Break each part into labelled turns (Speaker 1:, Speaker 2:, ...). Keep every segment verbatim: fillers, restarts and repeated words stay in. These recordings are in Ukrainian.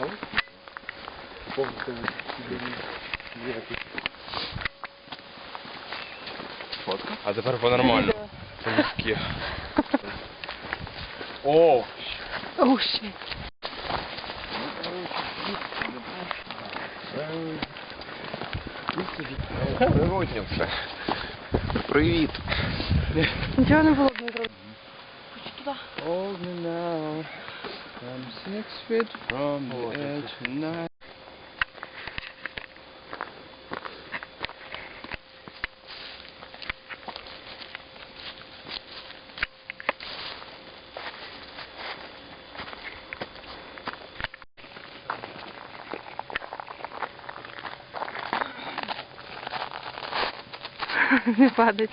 Speaker 1: Фотка? А тепер по-нормально. По-людськи. О!
Speaker 2: Оу, щит.
Speaker 1: Природньо все. Привіт.
Speaker 2: Нічого не було б не зробити. Хочу туди.
Speaker 1: Hold me now. I'm six feet from the edge tonight.
Speaker 2: Не падать.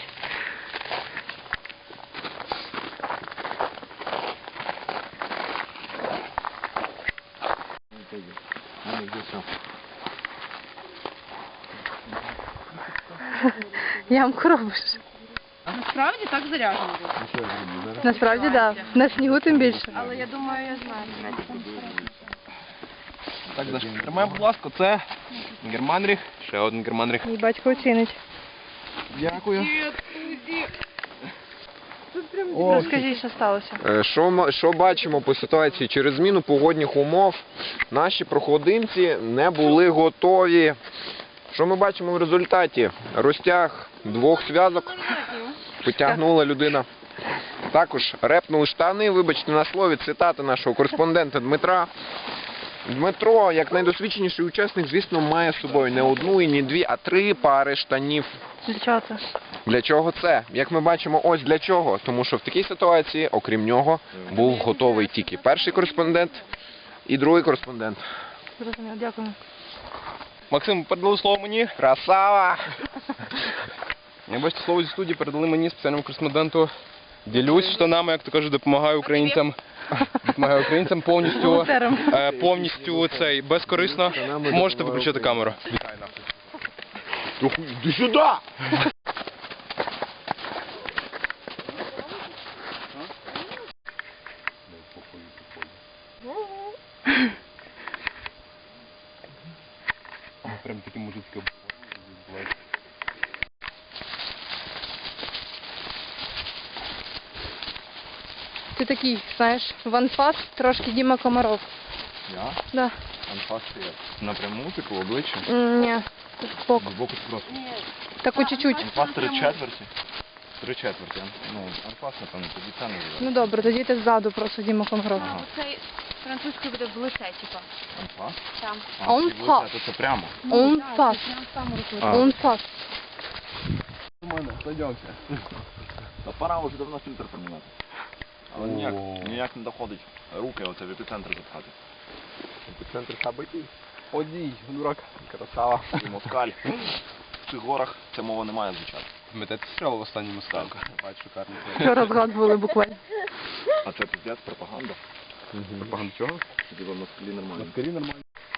Speaker 2: Ямку робиш.
Speaker 3: А насправді так заряджено було.
Speaker 2: Насправді, так. Да. На снігу тим більше.
Speaker 3: Але я думаю, я знаю.
Speaker 1: Так, Даш, тримай, будь ласка, це германріх. Ще один германріх.
Speaker 2: Мій батько оцінить.
Speaker 1: Дякую.
Speaker 2: Розкажи, що сталося.
Speaker 4: Е, Що, ма- що бачимо по ситуації? Через зміну погодних умов наші проходимці не були готові. Що ми бачимо в результаті? Розтяг двох зв'язок потягнула людина. Також репнули штани, вибачте на слові, цитата нашого кореспондента Дмитра. Дмитро, як найдосвідченіший учасник, звісно, має з собою не одну і не дві, а три пари штанів.
Speaker 2: Для чого це?
Speaker 4: Для чого це? Як ми бачимо, ось для чого. Тому що в такій ситуації, окрім нього, був готовий тільки перший кореспондент і другий кореспондент.
Speaker 2: Зрозуміло, дякую.
Speaker 1: Максим, передали слово мені.
Speaker 4: Красава!
Speaker 1: Я бачите, слово зі студії передали мені спеціальному кореспонденту. Ділюсь штанами, як то кажуть, допомагаю українцям. Допомагаю українцям повністю,
Speaker 2: Волонтерам.
Speaker 1: е, повністю цей, безкорисно. Можете виключити камеру. Вітаю нас.
Speaker 4: Іди сюди!
Speaker 1: Прям такі мужицькі.
Speaker 2: Ти такий, знаєш, ванфас, трошки Діма Комаров.
Speaker 4: Я?
Speaker 2: Да.
Speaker 4: Анфас як? Напряму, типу, в обличчя?
Speaker 2: М, Ні, збоку.
Speaker 4: Збоку просто.
Speaker 2: Так по чуть-чуть.
Speaker 4: Анфас три четверті? Три четверті. Ну, анфас, напевно, тоді це не буде.
Speaker 2: Ну добре, тоді ти ззаду просто Діма Комаров.
Speaker 4: Ага.
Speaker 3: Цей французькою буде в лице, типа.
Speaker 4: Анфас?
Speaker 3: Там.
Speaker 4: А,
Speaker 2: Он
Speaker 4: ці
Speaker 2: фас.
Speaker 4: лице, то це прямо.
Speaker 2: Он фас.
Speaker 4: А.
Speaker 2: Он фас.
Speaker 1: У мене, сойдемося.
Speaker 4: Та пора вже давно фільтр поміняти. Але ніяк,
Speaker 1: О.
Speaker 4: ніяк не доходить руки оце в епіцентр запхати. Епіцентр событий.
Speaker 1: Одій, дурак. Красава.
Speaker 4: І москаль. В цих горах ця мова не має звучати.
Speaker 1: Пам'ятаєте стріл в останньому ставку? Бать, шикарно.
Speaker 2: Вчора згадували буквально.
Speaker 4: А це піздець, пропаганда.
Speaker 1: Пропаганда чого?
Speaker 4: Діва москалі нормально.
Speaker 1: Скорі нормально.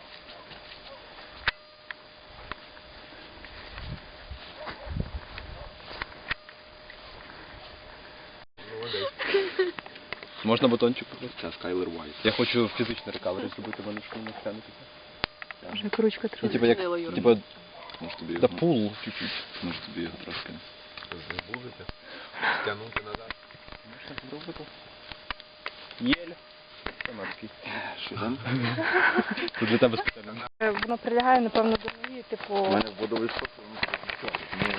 Speaker 1: Можна батончик попросити?
Speaker 4: Це Скайлер Вайс.
Speaker 1: Я хочу фізичний рекавері зробити, мене що не стягнутися.
Speaker 2: Вже ручка
Speaker 1: Ну,
Speaker 2: трохи.
Speaker 1: типа, як, типа,
Speaker 4: Може тобі
Speaker 1: да
Speaker 4: його,
Speaker 1: пул чуть-чуть.
Speaker 4: може тобі його трошки
Speaker 1: Будете? Стягнути назад. Можна зробити. Єль. Канадський.
Speaker 4: Що там?
Speaker 1: Тут для тебе спеціально.
Speaker 2: Воно прилягає, напевно, до ноги, типу...
Speaker 4: У мене водовий шок, воно все.